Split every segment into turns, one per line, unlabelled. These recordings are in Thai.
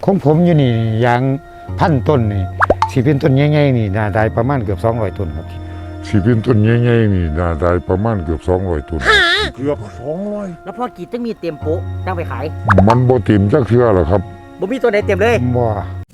ของผมอยู่นี่ยาง1,000 ต้นนี่สิเป็นต้นใหญ่ๆนี่น่าได้ประมาณเกือบ200 ต้นครับสิเป็นต้นใหญ่ๆนี่น่าได้ประมาณเกือบ200 ต้นเกือบ200
แล้วพอกรีดต้องมีเต็มโป๊ะตั้งไปขาย
มันบ่เต็มจักเทื่อหรอกครับ
บ่มีตัวไหนเต็มเลย
บ่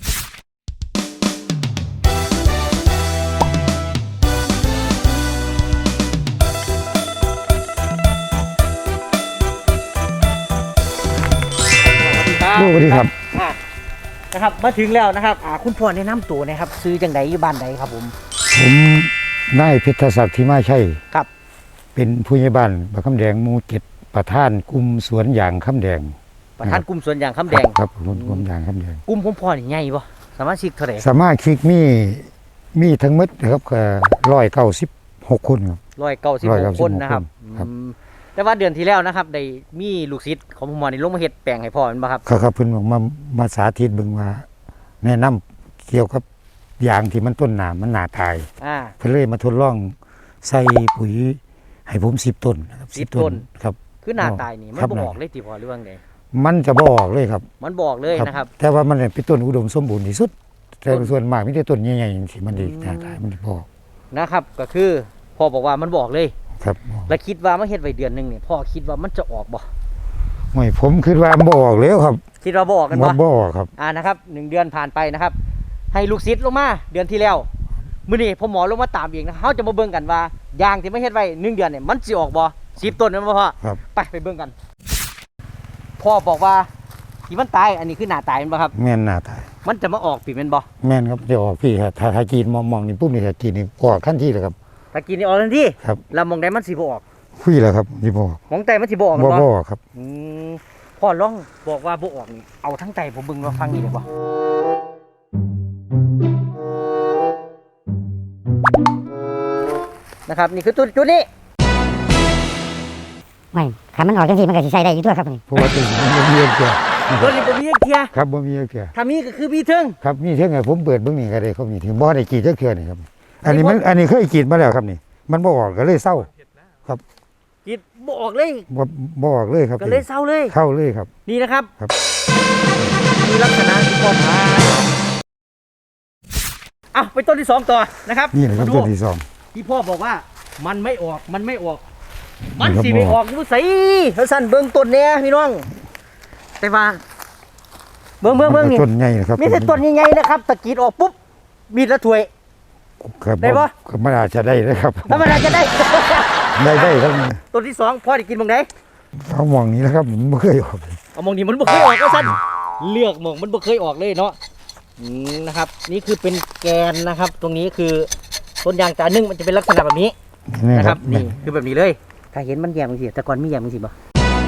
สวัสดีครับ
นะครับมาถึงแล้วนะครับคุณพ่อแนะนำตัวนะครับซื้อจังไดอยู่บ้านใดครับผม
นายเพชรศักดิ์ที่มาใช่
ครับ
เป็นผู้ใหญ่บ้านบ้านคำแดงหมู่7ประธานกลุ่มสวนยางคำแดง
ประธานกลุ่มสวนยางคำแดง
ครับกลุ่มยางคำแดง
กลุ่มของพ่อนี่ใหญ่บ่สามารถชิกเท่าไหร่
สามารถชิกมีทั้งหมดนะครับ196 คนครับ
196 คนนะครับแต่ว่าเดือนที่แล้วนะครับได้มีลูกศิษย์ของพ่อนี่ลงมาเฮ็ดแปลงให้พ่อแม่นบ่ครับ
ครับเพิ่นบอกมาสาธิตเบิ่งว่าแนะนำเกี่ยวกับยางที่มันต้นหนามันหนาตายเพิ่นเลยมาทดลองใส่ปุ๋ยให้ผม10 ต้นนะครับ
10 ต้น
ครับ
คือหนาตายนี่มันบ่ออกเลยติพ่อหรือว่าไง
มันจะบ่ออกเลยครับ
มันบอกเลยนะครับ
แต่ว่ามันเป็นต้นอุดมสมบูรณ์ที่สุดแต่ส่วนมากมีแต่ต้นใหญ่ๆที่มันดีหนาตายมันบ่ออก
นะครับก็คือพ่อบอกว่ามันบอกเลย
ครับ
แล้วคิดว่ามาเฮ็ดไว้เดือนนึงเนี่ยพ่อคิดว่ามันจะออกบ่
ไม่ผมคิดว่าบ่ออกแล้วครับ
คิดว่าบ่ออกกัน
บ่ออกครับ
นะครับ1 เดือนผ่านไปนะครับให้ลูกศิษย์ลงมาเดือนที่แล้วมื้อนี้พ่อหมอลงมาตามเองนะเฮาจะมาเบิ่งกันว่ายางที่ไม่เฮ็ดไว้1 เดือนเนี่ยมันสิออกบ่10 ต้นแม่นบ่พ่อไปเบิ่งกันพ่อบอกว่าที่มันตายอันนี้คือหน้าตายแม่นบ่ครับ
แม่นหน้าตาย
มันจะมาออกปีแม่นบ่
แม่นครับจะออกพี่ครับถ้ากินมองนี่ปุ๊บนี่ถ้ากินนี่ออกทันทีเลยครับ
ถ้ากินนี่ออกทันที
ครับ
แล้วมองได้มันสิบ่ออก
คุยแล้วครับสิบ่ออก
มองแต่มันสิบ่ออก
บ่ออกครับ
พ่อลองบอกว่าบ่ออกนี่เอาทั้งใจผมเบิ่งว่าฟังนี่ได้บ่นะครับนี่คือจุดนี้
ไม่ถ้ามันออกจังซี่มันก็สิใช้ได้อยู่ตัวครับนี่
เพราะว่าตัวมันบ่มีเกียร์
ตัวนี้บ่มีเกียร์
ครับบ่มีเกียร์
ถ้ามีก็คือมีเทิง
ครับมีเทิงให้ผมเปิดเบิ่งนี่ก็ได้เขามีถึงบ่ได้กรีดจักเทื่อนี่ครับอันนี้เคยกรีดมาแล้วครับนี่มันบ่ออกก็เลยเศร้าครับ
กรีดบ่ออกเลย
บ่ออกเลยครับ
ก็เลยเศร้าเลย
ครับ
นี่นะครับ
ครับ
มีลักษณะที่พ่อพาไปต้นที่2ต่อนะครับ
นี่นะครับต้นที่2
ที่พ่อบอกว่ามันไม่ออกมันสิไม่ออกอยู่ไสสั่นเบิ่งต้นเนี่ยพี่น้องแต่ว่าเบิ่งนี่
ต้นใหญ่นะครับ
มีแต่ต้นใหญ่ๆนะครับตะกีดออกปุ๊บมีดละถ้วยได้ปะ
มันอาจจะได้นะครับ
ธรรมดาจะได้
ครับ
ต้นที่2พ่อได้กินมองไหน
เอามองนี้นะครับมันบ่เคยออก
เอามองนี้มันบ่เคยออกก็สั่นเลือกมองมันบ่เคยออกเลยเนาะนะครับนี่คือเป็นแกนนะครับตรงนี้คือต้นยางจานึงมันจะเป็นลักษณะแบบนี้นะครับนี่คือแบบนี้เลยถ้าเห็นมันแยมจังซี่แต่ก่อนมีแยมจังซี่บ่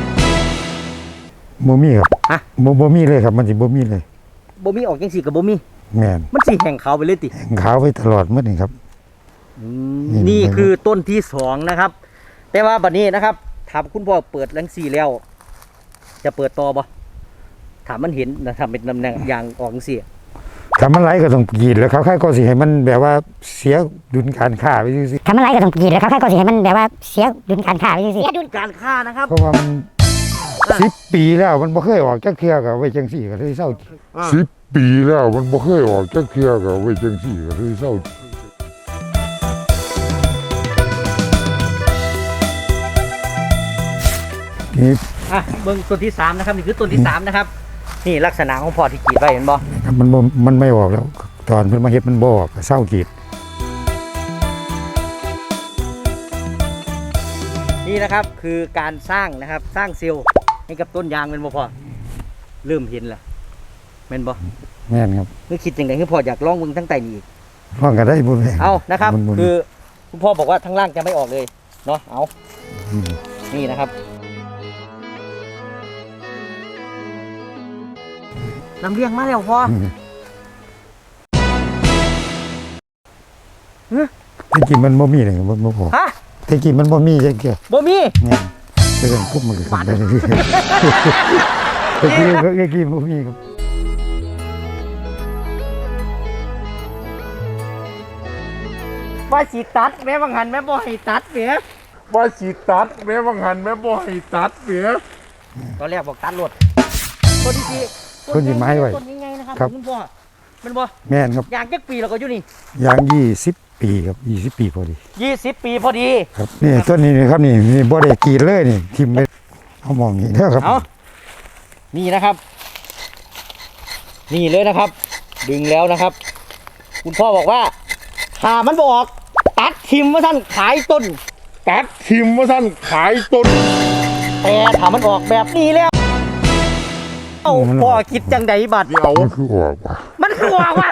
มีครับบ่มีเลยครับมันสิบ่มีเลย
บ่มีออกจังซี่ก็บ่มี
แม่น
มันสิแห้งขาวไปเลยติ
แห้งขาวไปตลอดมื้อนี่ครับ
นี่คือต้นที่2นะครับแต่ว่าบัดนี้นะครับถามคุณพ่อเปิดจังซี่แล้วจะเปิดต่อบ่ถามมันเห็นนะทำเป็นตำแหน่งยางออกจังซี่
ถ้ามันไหลก็ต้องกรีดแล้วเขาค่ายก็สิให้มันแบบว่าเสียดุลการค้าไปซื่อ
ๆถ้ามันไหลก็ต้องกรีดแล้วเขาค่ายก็สิให้มันแบบว่าเสียดุลการค้าไปซื่อๆ
เสียดุลการค้านะครับ
เพราะว่ามัน10 ปีแล้วมันบ่เคยออกจักเทื่อก็ไว้จังซี่ก็เลยเศร้า10 ปีแล้วมันบ่เคยออกจักเทื่อก็ไว้จังซี่ก็เลยเศร้า
นี่เบิ่งต้นที่3นะครับนี่คือต้นที่3นะครับนี่ลักษณะของพ่อที่กรีดไว้เห็นบ่
มันไม่ออกแล้วตอนเพิ่นมาเฮ็ดมันบ่ออกเศร้ากรีด
นี่นะครับคือการสร้างนะครับสร้างเซลล์ให้กับต้นยางเป็นบ่พ่อเริ่มเห็นแล้วแม่นบ่
แม่นครับ
นึกคิดจังได๋คือพ่ออยากลองเบิ่งทั้งใต้นี่อีก
ลองก็ได้บ่
เอานะครับคือคุณพ่อบอกว่าทั้งล่างจะไม่ออกเลยเนาะเอานี่นะครับลำเลียงมาแล้วพ่อ
ที่กินมันบ่มีเลยบ่พอที่กินมันบ่มีจังเกี่ย
บ่มี
เนี่ยเรื่องพวกมันก็ขึ้นได้ที่กินบ่มีครับ
ว่าสิตัดแม่บางหันแม่บ่ให้ตัดเสีย
ว่าสิตัดแม่บางหันแม่บ่ให้ตัดเสีย
ตอนแรกบอกตัดรถต้นที่
ไม้ไว้
ต้นนี้ไงน
ครับ
คุณพ่อมันบ่
แม่นครับ
ยางจักปีแล้วก็อยู่นี่
ยาง20 ปีครับ20 ปีพอดี
20 ปีพอดี
ครับนี่ต้นนี้ครับนี่บ่ได้กรีดเลยนี่ทิ่มไปเอามองนี่เด้อครับ
เอานี่นะครับ นี่เลยนะครับ ดึงแล้วนะครับ คุณพ่อบอกว่าถ้ามันบออกตัดทิมว่าท่านขายต้น
ตัดทิ่มว่าท่านขายต้น
แต่ถ้ามันออกแบบนี้แล้วเอ้าพ่อคิดจังใดบัด
เอาคือออกว่ะ
มันคือออกว่ะ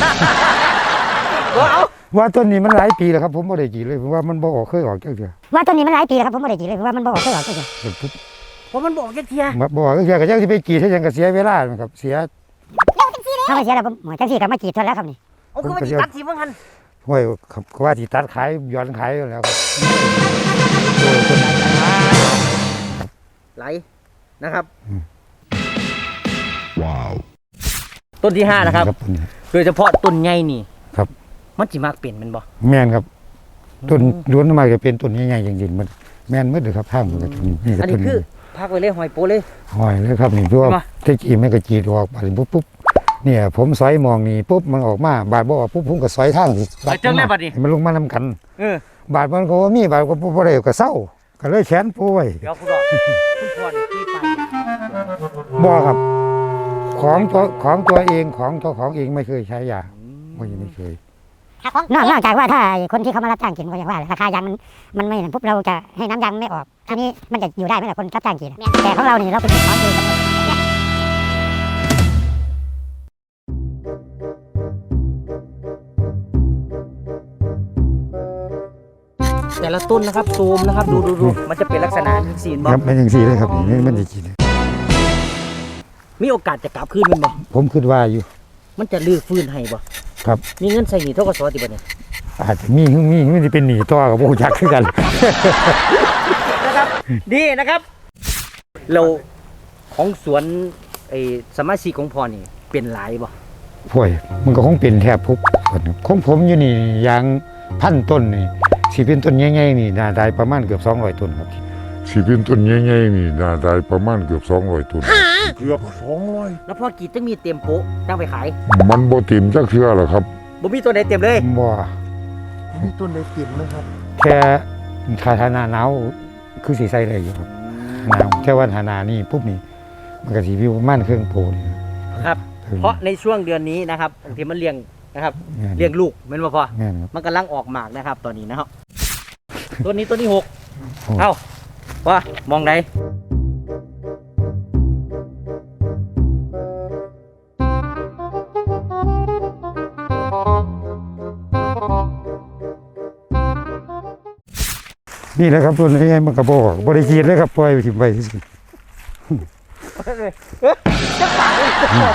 เอา
ว่าต้นนี้มันหลายปีแล้วครับผมบ่ได้กรีดเลยเพราะว่ามันบ่ออกเคยออกจังเทื่อ
ว่าต้นนี้มันหลายปีแล้วครับผมไม่ได้กรีดเลยเพราะว่ามันบ่ออกเคยออกเลย
ปุ๊บ
เพราะมันบอกแค่เทีย
มาบ่ออกจังเทื่อก็จังสิไปกรีดให้จังก็เสียเวลาครับเสีย
ถ้าไม่เสียแล้วผมจังสี่กับมากรีดเท่าแล้วครับนี่
เอาคือมันสิตัดทิมว่างั้น
ห้วยครับก็ว่าสิตัดขายย้อนขายอยู่แล้วครับ
ไหลนะครับว้าวต้นที่5นะครับ
ต้นนี้
โดยเฉพาะต้นใหญ่นี่
ครับ
มันสิมากเปลี่ยนมันบ่
แม่นครับต้นล้วนมาจะเป็นต้นใหญ่ๆจริงๆมันแม่นหมดเลยครับทางมันก็ต้นนี้นี่ก็
อัน
ต้
นี้
น
คือ
นี้
พักไว้เลยหอยโปเลย
หอยเลยครับนี่เพราะว่า
ใช่ปะ
ที่จีไม่ก็จีดออกไปปุ๊บเนี่ยผมสอยมองนี่ปุ๊บมันออกมาบาดบ่ออกปุ๊บผมก็สอยทางสิ
ไปจังได้บัดนี้
ให้มันลงมานํกัน
เออ
บาดมันก็บ่มีบาดก็บ่ได้ก็เศร้าก็เลยแขนปูไว้
เดี๋ยวคุณบอกคุณพ่อนี่ที่ไป
บ่ครับ ของตัวเองของตัวของเองไม่เคยใช้ยาไม่เคย
นอกจากว่าถ้าคนที่เขามารับจ้างกินก็อย่างว่าราคายางมันไม่ปุ๊บเราจะให้น้ำยางไม่ออกทีนี้มันจะอยู่ได้ไหมล่ะคนรับจ้างกินแต่ของเรานี่เราเป็นของดี
แต่ละต้นนะครับซูมนะครับดูมันจะเป็นลักษณะนี้สีนบอ
ครับเป็นจังซี่เลยครับนี่มันจะกิน
มีโอกาสจะกลับคืนมันบ่
ผมคิดว่าอยู่
มันจะลื้อฟื้นให้บ่
ครับ
มีเงินใส่หนี้เท่ากับสวัสดิบัตเนี่ย
อาจจะมีมันสิเป็นหนี้ต่อกับบ่ฮู้จักคือกัน
นะครับดีนะครับ เราของสวนไอ้สมาชิกของพ่อนี่เป็นหลายบ่
ห่วยมันก็คงเป็นแทบทุกคนครับของผมอยู่นี่ยาง1,000 ต้นนี่สิเป็นต้นใหญ่ๆนี่น่าได้ประมาณเกือบ200 ต้นครับสิเป็นต้นใหญ่ๆนี่น่าได้ประมาณเกือบ200 ต้นเกือบ200
แล้วพ่อกรีดจังมีเต็มโป๊ะจังไปขาย
มันบ่เต็มจักเทื่อหรอกครับ
บ่มีตัวใดเต็มเลย
บ่
มีต้นได้กลิ่นนะครับ
แค่ถ้าหน้าหนาวคือสิใส่ได้อยู่ครับหนาวแค่ว่าหน้านี่ปุ๊บนี่มันก็สิวิวประมาณเครื่องโพนี่
ครับ เพราะในช่วงเดือนนี้นะครับบางทีมันเลี้ยงนะครับเลี้ยงลูกแม่นบ่พ่อ
แม่นครับ
มันกำลังออกหมากนะครับตอนนี้นะครับ ต้นนี้ต้นที่6
โอ้
เอ้าว่ามองไหน
นี่แหละครับต้นใหญ่ๆมันก็บ่ออกบ่ได้กินเลยครับปล่อยไปทิ้งไว้ซื่อ
จะปากเลยจะบอก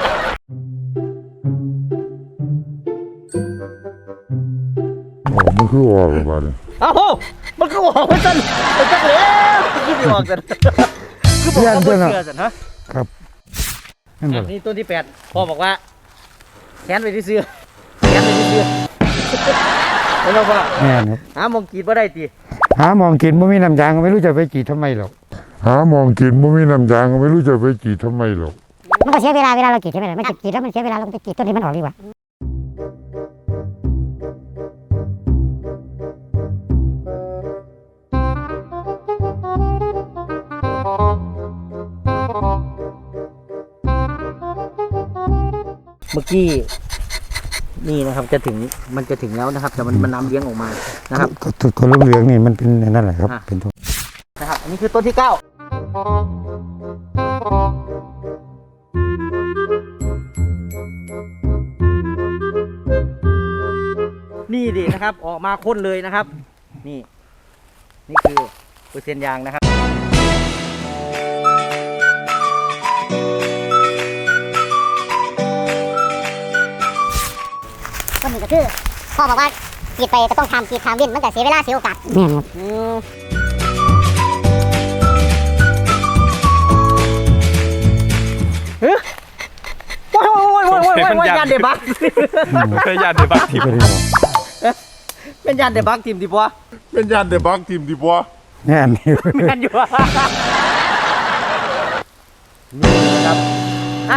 โอ้มันคือออกแล้วบาดนี้
เอ้ามันก็ออกมาจนมันจักแล้วคิดไม่ออกกันคือบอกว่าบ่เชื่อสันฮะ
ครับนั่นบ่
นี่ต้นที่8พ่อบอกว่าแขนไปที่เสื้อแขนไปที่เสื้อแล้วเราว่า
แม่นครับ
หามองกรีดบ่ได้ติ
หามองกินบ่มีน้ำยางก็ไม่รู้จะไปกรีดทำไมหรอกหามองกินบ่มีน้ำยางก็ไม่รู้จะไปกรีดทำไมหรอก
มันก็เสียเวลาเรากรีดใช่ไหมล่ะมันกรีดแล้วมันเสียเวลาเราไปกรีดต้นที่มันออกดีกว่า
เมื่อกี้นี่นะครับมันจะถึงแล้วนะครับแต่มันน้ำเลี้ยงออกมานะครับ
ก็เหลืองๆนี่มันเป็นนั่นแหละครับ
อ่ะ
เป็นตัว
นะครับ อันนี้คือต้นที่9นี่ดินะครับ ออกมาข้นเลยนะครับ นี่คือเปอร์เซ็นต์ยางนะครับ
ก็มีก็คือพ่อบอกว่ากรีดไปก็ต้องทำกรีดทำเว้นมันก็เสียเวลาเสียโอกาส
แม่นครับ
ว้ายยานเดบัก
เคยยานในบ้านทิพย์
ก็ได้บอก
เป็นยานเดบักทีมดิบัว
เป็นยานในบ้านทิพย์ดีบ่
แน่นี่
แม่นอยู่นี่นะครับอ่ะ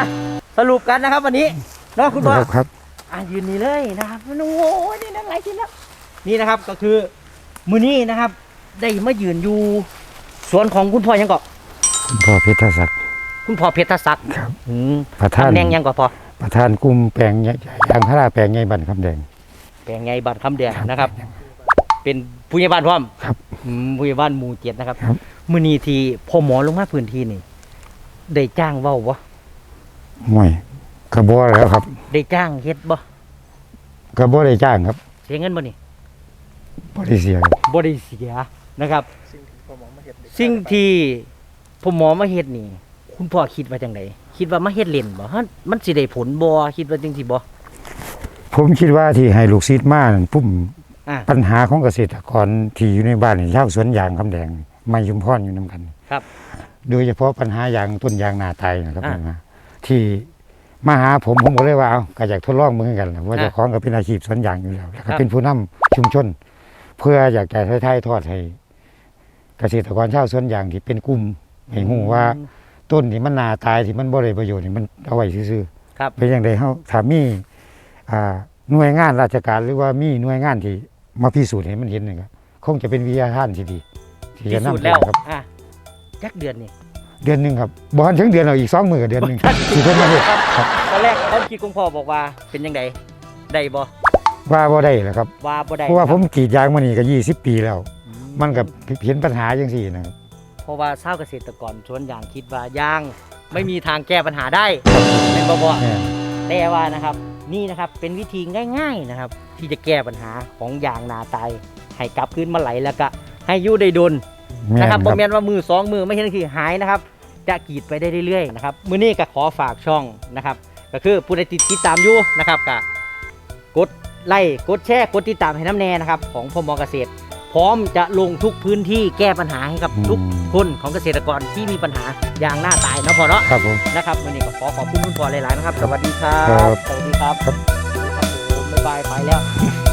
สรุปกันนะครับวันนี้เนาะคุณพ่อ
ครับ
ยืนนี่เลยนะครับโอ้โหนี่นั่นไรกินแล้วนี่นะครับก็คือมือนี้นะครับ ได้มายืนอยู่สวนของคุณพ่อยังเกาะ
คุณพ่อเพชรศักดิ์
คุณพ่อเพชรศักดิ์
ครับ
อืม
ประธาน
ตำแหน่งยังเกาะพ่อ
ประธานกลุ่มแปลงยางพาราแปลงใหญ่บ้านคำแดง
แปลงไงบัตรคำแดงนะครับ เป็นผู้ใหญ่บ้านพร้อม
ครับ
ผู้ใหญ่บ้านหมู่7นะครับ
ครับ
มือนี้ที่พ่อหมอลงมาพื้นที่นี่ได้จ้างเว้าบ่
ห่วยกระบอกแล้วครับ
ได้จ้างเฮ็ดบ่
กระบอกได้จ้างครับ
เสียเงินบ่นี่
บริเสียครับ
บ่ได้เสียนะครับสิ่งที่พ่อหมอมาเฮ็ดนี่ คุณพ่อคิดว่าจังไดคิดว่ามาเฮ็ดเล่นบ่ฮะมันสิได้ผลบ่คิดว่าจังซี่บ่
ผมคิดว่าที่ให้ลูกศิษย์มานั่นปุ่ม
อ่า
ปัญหาของเกษตรกรที่อยู่ในบ้านนี่ชาวสวนยางคำแดงไม่ชุมพรอยู่นํกัน
ครับ
โดยเฉพาะปัญหายางต้นยางนาตายนะครับ
อ่า
นะที่มาหาผมก็เลยว่าเอาก็อยากทดลองมือกันแหละว่า
อ่า
เจะของก็เป็นอาชีพสวนยางอยู่แล้วแล้ว
ครั
ก็
บ
เป็นผู้นำชุมชน เพื่ออยากจะถ่ายทอดให้เกษตรกรชาวสวนยางที่เป็นกลุ่มให้ฮู้ว่าต้นที่มันนาตายที่มันบ่ได้ประโยชน์นี่มันเอาไว้ซื่อ
ครับ
ๆเป็นอย่างไรเฮาถ้ามีหน่วยงานราชการหรือว่ามีหน่วยงานที่มาพิสูจน์ให้มันเห็นนี่ก็คงจะเป็นวิทยาทานที่ดีที่
พิ
จะ
สูจน์
นำ
แล้ว
ครับ
จักเดือนนี่
เดือนหนึงครับบ่ทันถึงเดือนเอาอีก2 มื้อกับเดือนหนึงที่เพิ่นมาเฮ็ดครับ
ตอนแรกความคิดของพ่อบอกว่าเป็นจังไดได้บ่
ว่าบ่ได้แหละครับ
ว่าบ่ได้
เพราะว่า
ค
ผ
บ
มกรีดยางมานี่ก็20 ปีแล้ว
อื
มันก็เห็นปัญหาจังซี่นะครับ
เพราะว่าชาวเกษตรกรสวนยางคิดว่ายางไม่มีทางแก้ปัญหาได้เป็นบ่บ่
แม่น
แต่ว่านะครับนี่นะครับเป็นวิธีง่าย ๆนะครับ ที่จะแก้ปัญหาของยางนาตายให้กลับคืนมาไหลแล้วก็ให้อยู่ได้ดน
แม่น
นะครับ
ค
บ่
รับ
แม่นว่ามือ2มือไม่ใช่คือหายนะครับ จะกรีดไปได้เรื่อยๆนะครับมื้อนี้ก็ขอฝากช่องนะครับ ก็คือผู้ใดติดตามอยู่นะครับก็กดไลค์กดแชร์กดติดตามให้น้ำแน่นะครับของพมเกษตร พร้อมจะลงทุกพื้นที่แก้ปัญหาให้กับทุกคนของเกษตรกรที่มีปัญหายางหน้าตายเนาะพอเนาะ
ครับผม
นะครับวันนี้ก็ขอบคุณคุณพ่อหลายๆนะครับ สวัสดีครั
ครับ บ
สวัสดีครับ
ครับ
ครับผมบ๊ายบายไปแล้ว